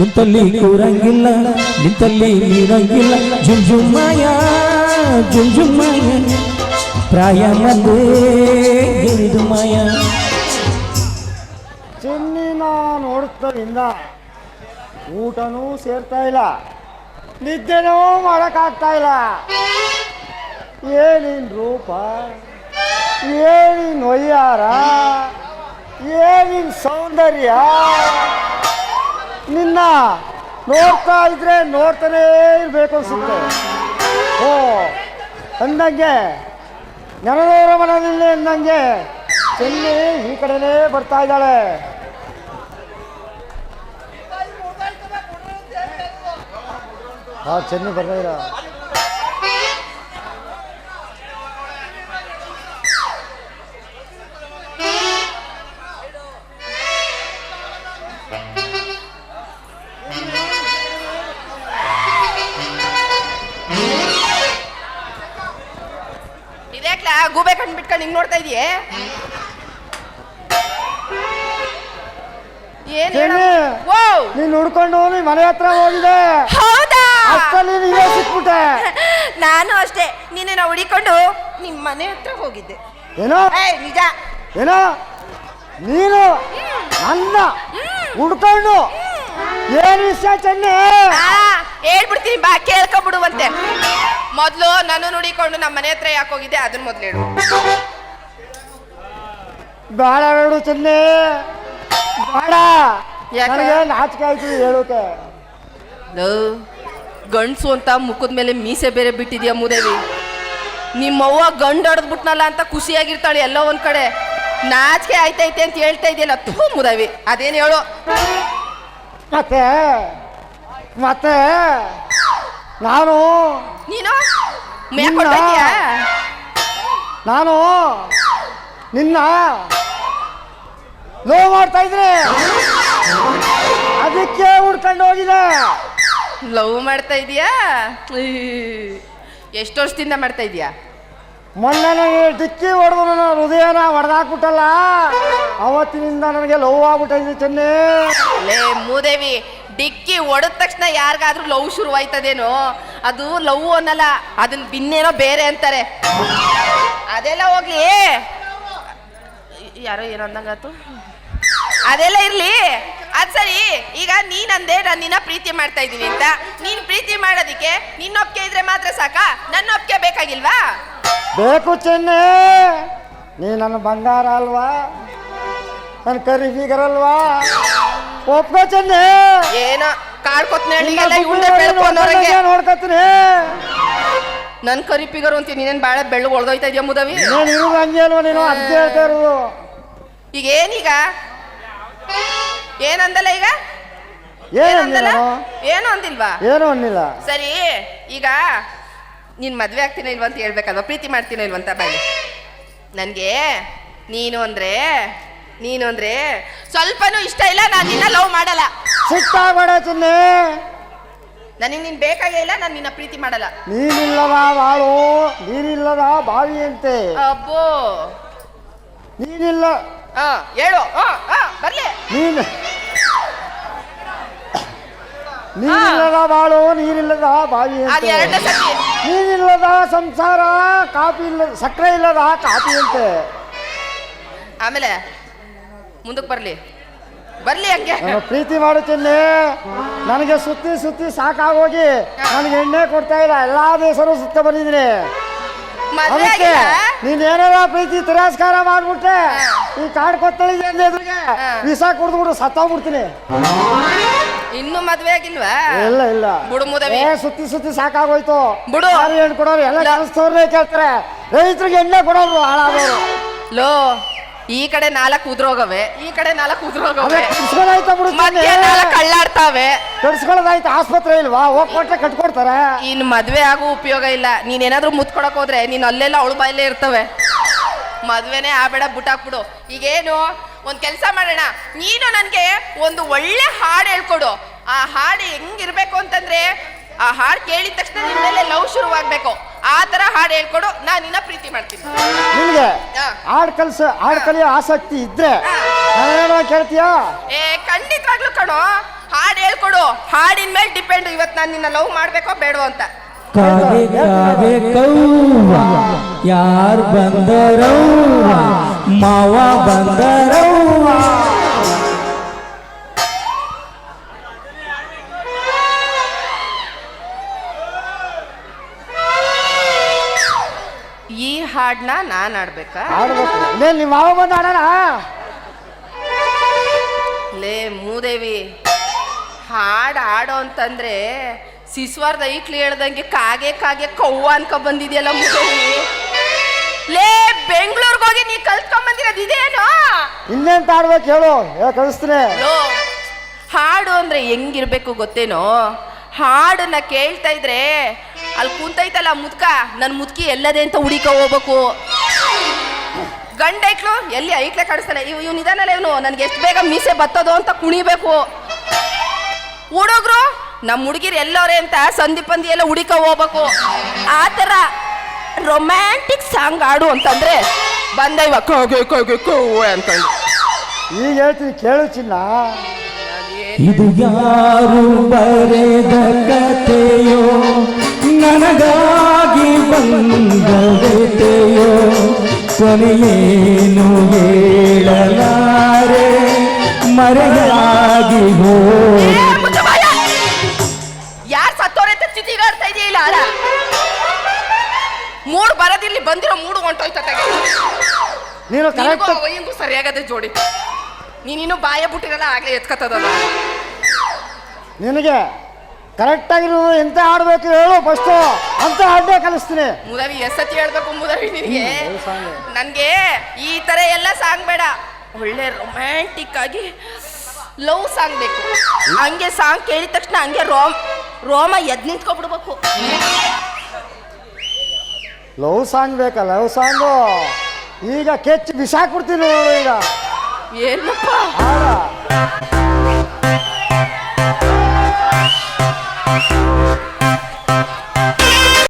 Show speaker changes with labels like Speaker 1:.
Speaker 1: ಕುಂತಲ್ಲಿ ಕೂರಂಗಿಲ್ಲ ನಿಂತಲ್ಲಿ ನೀರಂಗಿಲ್ಲ ಜುಮ್ ಜುಮ್ಮಯ ಜುಮ್ ಜುಮ್ಮಯ ಪ್ರಾಯ ಮದ್ದೆ ಗಿರಿದು ಮಾಯ.
Speaker 2: ಚೆನ್ನಿನ ನೋಡ್ತದಿಂದ ಊಟನೂ ಸೇರ್ತಾ ಇಲ್ಲ, ನಿದ್ದೆನೂ ಮಾಡೋಕ್ಕಾಗ್ತಾ ಇಲ್ಲ. ಏನಿನ್ ರೂಪ, ಏನಿನ್ ವಯ್ಯಾರ, ಏನಿನ್ ಸೌಂದರ್ಯ. ನಿನ್ನ ನೋಡ್ತಾ ಇದ್ರೆ ನೋಡ್ತಾನೇ ಇರಬೇಕು ಅನ್ಸುತ್ತೆ. ಓ ಅಂದಂಗೆ ನೆನದವರ ಮನದಲ್ಲಿ ಅಂದಂಗೆ ಚೆನ್ನಿ ಈ ಕಡೆನೇ ಬರ್ತಾ ಇದ್ದಾಳೆ. ಚೆನ್ನಿ ಬರ್ತಾ ಇಲ್ಲ.
Speaker 3: ಇದೇಕ್ಲಾ ಗೂಬೆ ಕಣ್ ಬಿಟ್ಕೊಂಡು ಹಿಂಗ್ ನೋಡ್ತಾ ಇದೀಯೇ?
Speaker 2: ನೀನ್ ಹುಡ್ಕೊಂಡು ನೀನ್ ಮನೆ ಹತ್ರ ಹೋಗಿದೆ.
Speaker 3: ಹೌದಾ?
Speaker 2: ಅಷ್ಟಲ್ಲಿ ನೀವೇ ಸಿಕ್ಬಿಟ್ಟೆ.
Speaker 3: ನಾನು ಅಷ್ಟೇ, ನೀನೇನ ಹುಡಿಕೊಂಡು ನಿಮ್ ಮನೆ ಹತ್ರ ಹೋಗಿದ್ದೆ.
Speaker 2: ಏನೋ
Speaker 3: ನಿಜ.
Speaker 2: ಏನೋ ನೀನು ನನ್ನ ಹುಡ್ಕೊಂಡು ಏನ್ ವಿಷಯ ಚೆನ್ನಿ?
Speaker 3: ಹೇಳ್ಬಿಡ್ತೀನಿ ಬಾ, ಕೇಳ್ಕೊಬಿಡುವಂತೆ. ಮೊದ್ಲು ನಾನು ನುಡಿಕೊಂಡು ನಮ್ಮ ಮನೆ ಹತ್ರ ಯಾಕೆ ಹೋಗಿದ್ದೆ ಅದನ್ನ ಮೊದ್ಲು ಹೇಳು.
Speaker 2: ಬೇಡ ಬೇಡು ಚೆನ್ನಿ, ಬೇಡ. ನನಗೆ ನಾಚಿಕೆ ಆಯ್ತು ಹೇಳೋಕೆ.
Speaker 3: ಗಂಡ್ಸು ಅಂತ ಮುಖದ ಮೇಲೆ ಮೀಸೆ ಬೇರೆ ಬಿಟ್ಟಿದ್ಯಾ ಮೂದೇವಿ. ನಿಮ್ಮವ್ವ ಗಂಡು ಹೊಡೆದ್ಬಿಟ್ನಲ್ಲ ಅಂತ ಖುಷಿಯಾಗಿರ್ತಾಳೆ ಎಲ್ಲೋ ಒಂದ್ ಕಡೆ. ನಾಚಿಕೆ ಆಯ್ತೈತೆ ಅಂತ ಹೇಳ್ತಾ ಇದೆಯಲ್ಲ, ಥೂ ಮೂದೇವಿ, ಅದೇನು ಹೇಳು.
Speaker 2: ಮತ್ತೆ ಮತ್ತೆ ನಾನು
Speaker 3: ನೀನು ಮೇಲ್ಕೊಡ್ತಿದ್ಯಾ?
Speaker 2: ನಾನು ನಿನ್ನ ಲೋ ಮಾಡ್ತಾ ಇದ್ರೆ ಅದಕ್ಕೆ ಹುಡ್ಕೊಂಡು ಹೋಗಿದೆ.
Speaker 3: ಲವ್ ಮಾಡ್ತಾ ಇದೀಯಾ? ಎಷ್ಟು ವರ್ಷದಿಂದ ಮಾಡ್ತಾ ಇದೀಯಾ?
Speaker 2: ಮೊನ್ನೆ ನನಗೆ ಡಿಕ್ಕಿ ಹೊಡೆದು ನನ್ನ ಹೃದಯನ ಹೊಡೆದಾಕ್ಬಿಟ್ಟಲ್ಲ, ಅವತ್ತಿನಿಂದ ನನಗೆ ಲವ್ ಆಗ್ಬಿಟ್ಟಿದೆ ಚೆನ್ನಿ.
Speaker 3: ಲೇ ಮೂದೇವಿ, ಡಿಕ್ಕಿ ಹೊಡೆದ ತಕ್ಷಣ ಯಾರಿಗಾದ್ರೂ ಲವ್ ಶುರುವಾಯ್ತದೇನೋ? ಅದು ಲವ್ ಅನ್ನಲ್ಲ, ಅದನ್ನ ಬಿನ್ನೇನೋ ಬೇರೆ ಅಂತಾರೆ. ಅದೆಲ್ಲ ಹೋಗ್ಲಿ, ಯಾರೋ ಏನೋ ಅಂದಂಗಾತು. ಅದೆಲ್ಲ ಇರ್ಲಿ. ಅದ್ ಸರಿ, ಈಗ ನೀನಂದೆ ನಾನು ನಿನ್ನ ಪ್ರೀತಿ ಮಾಡ್ತಾ ಇದ್ದೀನಿ ಅಂತ. ನೀನ್ ಪ್ರೀತಿ ಮಾಡೋದಿಕ್ಕೆ ನಿನ್ನ ಒಪ್ಪಿಗೆ ಇದ್ರೆ ಮಾತ್ರ ಸಾಕಾ? ನನ್ನ ಒಪ್ಪಿಗೆ ಬೇಕಾಗಿಲ್ವಾ?
Speaker 2: ಬೇಕು ಚೆನ್ನಿ. ನೀ ನನ್ನ ಬಂಗಾರ ಅಲ್ವಾ, ನನ್ನ ಕರಿ ಫಿಗರ್ ಅಲ್ವಾ, ಒಪ್ಕೋ ಚೆನ್ನಿ.
Speaker 3: ಏನೋ ಕಾಡ್ಕೊತ್ನೆ
Speaker 2: ನೋಡ್ಕೊತೀನಿ.
Speaker 3: ನನ್ ಕರಿ ಫಿಗರ್ ಅಂತ ನೀನೇನ್ ಬಾಳ ಬೆಳ್ಳಗ್ ಒಳ್ದೋಯ್ತಾ ಇದೆಯಾ ಮುದವಿ?
Speaker 2: ನೀನು ಇರೋದು ಹಂಗೆ ಅಲ್ವಾ, ನೀನು ಅಜ್ಜಿ ಹೇಳ್ತಾ ಇರೋದು.
Speaker 3: ಈಗ ಏನೀಗ ಏನಂದಲ್ಲ? ಈಗ
Speaker 2: ಏನಂದಲ್ಲ?
Speaker 3: ಏನು ಅಂದಿಲ್ವಾ?
Speaker 2: ಏನು ಅನ್ನಿಲ್ಲ.
Speaker 3: ಸರಿ, ಈಗ ನೀನ್ ಮದ್ವೆ ಆಗ್ತೀನ ಇಲ್ವಾ ಅಂತ ಹೇಳ್ಬೇಕಲ್ವಾ? ಪ್ರೀತಿ ಮಾಡ್ತೀನ ಇಲ್ವಂತ ಬಾಯಿ. ನನ್ಗೆ ನೀನು ಅಂದ್ರೆ ಸ್ವಲ್ಪನೂ ಇಷ್ಟ ಇಲ್ಲ. ನಾನು ನಿನ್ನ ಲವ್ ಮಾಡಲ್ಲ.
Speaker 2: ಸಿಟ್ಟಾಗಬೇಡ ಚೆನ್ನಿ.
Speaker 3: ನನಗೆ ನೀನ್ ಬೇಕಾಗೇ ಇಲ್ಲ. ನಾನು ನಿನ್ನ ಪ್ರೀತಿ ಮಾಡಲ್ಲ.
Speaker 2: ನೀನಿಲ್ಲದ ಬಾಳು ನೀನಿಲ್ಲದ ಬಾವಿ ಅಂತೆ.
Speaker 3: ಅಬ್ಬೋ,
Speaker 2: ನೀನಿಲ್ಲ
Speaker 3: ಹೇಳು. ಬರ್ಲಿ.
Speaker 2: ನೀನಿಲ್ಲದ ಬಾಳು ನೀರಿಲ್ಲದ ಬಾವಿ ಅಂತೆ. ನೀನಿಲ್ಲದ ಸಂಸಾರ ಕಾಫಿ ಇಲ್ಲ, ಸಕ್ಕರೆ ಇಲ್ಲದ ಕಾಫಿ ಅಂತೆ.
Speaker 3: ಆಮೇಲೆ ಮುಂದಕ್ಕೆ ಬರ್ಲಿ ಹಂಗೆ.
Speaker 2: ಪ್ರೀತಿ ಮಾಡುತ್ತೇನೆ. ನನಗೆ ಸುತ್ತಿ ಸುತ್ತಿ ಸಾಕಾಗೋಗಿ ನನಗೆ ಎಣ್ಣೆ ಕೊಡ್ತಾ ಇಲ್ಲ. ಎಲ್ಲಾ ದೇಶನೂ ಸುತ್ತ ಬಂದಿದ್ದೀನಿ. ಅದಕ್ಕೆ ನೀನೇನಾರ ಪ್ರೀತಿ ತಿರಸ್ಕಾರ ಮಾಡ್ಬಿಟ್ಟೆ ಈ ಕಾಡ್ಕೊತ್ತಳಿಗೆ ಎದುರಿಗೆ ವಿಷ ಕುಡಿದ್ಬಿಟ್ಟು ಸತ್ತೋಗ್ಬಿಡ್ತೀನಿ.
Speaker 3: ಇನ್ನು ಮದ್ವೆ ಆಗಿಲ್ವಾ?
Speaker 2: ಇಲ್ಲ
Speaker 3: ಬಿಡು ಮುದವಿ.
Speaker 2: ಸುತ್ತಿ ಸುತ್ತಿ ಸಾಕಾಗೋಯ್ತು.
Speaker 3: ಬಿಡು.
Speaker 2: ಯಾರು ಹೆಣ್ಣು ಕೊಡೋರು ಎಲ್ಲ ಕೆಲಸದವ್ರನ್ನೇ ಕೇಳ್ತಾರೆ. ರೈತರಿಗೆ ಎಣ್ಣೆ ಕೊಡೋರು ಹಾಳಾಗೋರು.
Speaker 3: ಲೋ, ಈ ಕಡೆ 4 ಉದ್ರೋಗವೆ, ಈ ಕಡೆ 4 ಉದ್ರೋಗವೆ, ಕಳ್ಳಾಡ್ತಾವೆ.
Speaker 2: ಕಟ್ಸ್ಕೊಳ್ಳೋದಾಯ್ತು. ಆಸ್ಪತ್ರೆ ಇಲ್ವಾ? ಹೋಗ್ಕೊಟ್ರೆ ಕಟ್ಕೊಡ್ತಾರೆ.
Speaker 3: ಇನ್ ಮದ್ವೆ ಆಗೋ ಉಪಯೋಗ ಇಲ್ಲ. ನೀನೇನಾದ್ರೂ ಮುತ್ಕೊಡಕ್ ಹೋದ್ರೆ ನೀನ್ ಅಲ್ಲೆಲ್ಲ ಅವಳು ಬಾಯಲ್ಲೇ ಇರ್ತವೆ. ಮದ್ವೆನೇ ಆಬೇಡ, ಬಿಟ್ಟಾಕ್ಬಿಡು. ಈಗೇನು ಒಂದ್ ಕೆಲ್ಸ ಮಾಡೋಣ, ನೀನು ನನ್ಗೆ ಒಂದು ಒಳ್ಳೆ ಹಾಡು ಹೇಳ್ಕೊಡು. ಆ ಹಾಡು ಹೆಂಗಿರ್ಬೇಕು ಅಂತಂದ್ರೆ, ಆ ಹಾಡು ಕೇಳಿದ ತಕ್ಷಣ ನಿನ್ ಮೇಲೆ ಲವ್ ಶುರುವಾಗ್ಬೇಕು. ಆ ತರ ಹಾಡು ಹೇಳ್ಕೊಡು, ನಾನು ನಿನ್ನ ಪ್ರೀತಿ ಮಾಡ್ತೀನಿ.
Speaker 2: ನಿನ್ಗೆ ಹಾಡು ಕಲಿಯೋ ಆಸಕ್ತಿ ಇದ್ರೆ ಕೇಳ್ತೀಯಾ?
Speaker 3: ಖಂಡಿತವಾಗ್ಲೂ ಕಣೋ, ಹಾಡು ಹೇಳ್ಕೊಡು ನೋಡು, ಹಾಡಿನ ಮೇಲೆ ಡಿಪೆಂಡ್ ಇವತ್ತು ನಾನು ನಿನ್ನ ಲವ್ ಮಾಡ್ಬೇಕೋ ಬೇಡೋ ಅಂತ.
Speaker 1: ಕಾಗೆ ಕಾಗೆ ಕೌವ ಯಾರ್ ಬಂದರವ್ವ ಮಾವ ಬಂದರವ್ವ.
Speaker 3: ಈ ಹಾಡನ್ನ ನಾನು ಆಡ್ಬೇಕಾ?
Speaker 2: ಆಡ್ಬೇಕು. ಇನ್ನೇನು ನಿಮ್ಮ ಮಾವ ಬಂದು ಆಡೋಣ.
Speaker 3: ಲೇ ಮೂದೇವಿ, ಹಾಡು ಆಡೋ ಅಂತಂದ್ರೆ ಸಿಸ್ವಾರ್ದ ಐಕ್ಲಿ ಹೇಳ್ದಂಗೆ ಕಾಗೆ ಕಾಗೆ ಕವ್ವ ಅನ್ಕೊ ಬಂದಿದ್ಯಲ್ಲ ಮೂದೇವಿ. ಲೇ ಬೆಂಗಳೂರಿಗೆ ಹೋಗಿ ನೀ ಕಲ್ತ್ಕೊಂಡ್ ಬಂದಿರೋದು ಇದೇನು?
Speaker 2: ಇನ್ನೆಂತ ಆಡ್ಬೇಕು ಹೇಳು, ಕಳಿಸ್ತೀನಿ.
Speaker 3: ಲೋ, ಹಾಡು ಅಂದ್ರೆ ಹೆಂಗಿರ್ಬೇಕು ಗೊತ್ತೇನೋ? ಹಾಡನ್ನ ಕೇಳ್ತಾ ಇದ್ರೆ ಅಲ್ಲಿ ಕುಂತೈತಲ್ಲ ಮುದ್ಕ, ನನ್ನ ಮುದ್ಕಿ ಎಲ್ಲದೆ ಅಂತ ಹುಡಿಕ ಹೋಗ್ಬೇಕು. ಗಂಡ ಐಕ್ಳು ಎಲ್ಲಿ ಐಕ್ಲೆ ಕಾಣಿಸ್ತಾನೆ, ಇವ್ ನಿಧಾನಲ್ಲ, ಇವನು ನನ್ಗೆ ಎಷ್ಟು ಬೇಗ ಮೀಸೆ ಬತ್ತದೋ ಅಂತ ಕುಣಿಬೇಕು. ಹುಡುಗ್ರು ನಮ್ಮ ಹುಡುಗಿರು ಎಲ್ಲವ್ರೆ ಅಂತ ಸಂಧಿ ಪಂದಿ ಎಲ್ಲ ಹುಡಿಕ ಹೋಗ್ಬೇಕು. ಆ ಥರ ರೊಮ್ಯಾಂಟಿಕ್ ಸಾಂಗ್ ಆಡು ಅಂತಂದ್ರೆ ಬಂದ ಇವ ಕೋಗೆ ಕೋಗೆ ಕೋವೆ ಅನ್ಕೊಂಡು.
Speaker 2: ಈಗ ಹೇಳ್ತೀನಿ ಕೇಳು ಚಿನ್ನ.
Speaker 1: ಇದು ಯಾರು ಬರೆದ ಕಥೆಯೋ ನನಗಾಗಿ ಬಂದತೆಯೋ ಕೊನೆಯೇನು ಹೇಳಲಾರೆ ಮರೆಯಾಗಿ ಹೋ.
Speaker 3: ಯಾರು ಸತ್ತೋರೆ ಅಂತ ಚಿತಿಗಾಡ್ತಾ ಇದೆಯಲ್ಲ ಅಲ್ಲ, ಮೂಡ್ ಬರೋದಿಲ್ಲಿ ಬಂದಿರೋ ಮೂಡು ಹೊಂಟೋಯ್ತಾಗೆ.
Speaker 2: ನೀನು ಕರೆಕ್ಟ್
Speaker 3: ಹಿಂಗೂ ಸರಿಯಾಗದೆ ಜೋಡಿ. ನೀನಿನ್ನು ಬಾಯ ಬಿಟ್ಟಿರಲ್ಲ ಆಗ್ಲೇ ಎತ್ಕತ್ತದಲ್ಲ.
Speaker 2: ನಿನಗೆ ಕರೆಕ್ಟಾಗಿರೋದು ಎಂತ ಆಡ್ಬೇಕು ಹೇಳು ಫಸ್ಟು ಅಂತ ಹಾಡೇ ಕಲಿಸ್ತೀನಿ.
Speaker 3: ಮುದವಿ ಎಷ್ಟತಿ ಹೇಳ್ಬೇಕು ಮುದವಿ ನಿನಗೆ? ನನಗೆ ಈ ಥರ ಎಲ್ಲ ಸಾಂಗ್ ಬೇಡ, ಒಳ್ಳೆ ರೊಮ್ಯಾಂಟಿಕ್ ಆಗಿ ಲವ್ ಸಾಂಗ್ ಬೇಕು. ಹಂಗೆ ಸಾಂಗ್ ಕೇಳಿದ ತಕ್ಷಣ ಹಂಗೆ ರೋಮ ಎದ್ ನಿಂತ್ಕೊಬಿಡ್ಬೇಕು.
Speaker 2: ಲವ್ ಸಾಂಗ್ ಬೇಕಾ? ಲವ್ ಸಾಂಗು ಈಗ ಕೆಚ್ಚಿ ಬಿಸಾಕ್ಬಿಡ್ತೀನಿ ನೋಡು ಈಗ.
Speaker 3: ಏನಪ್ಪ
Speaker 2: ಆಡ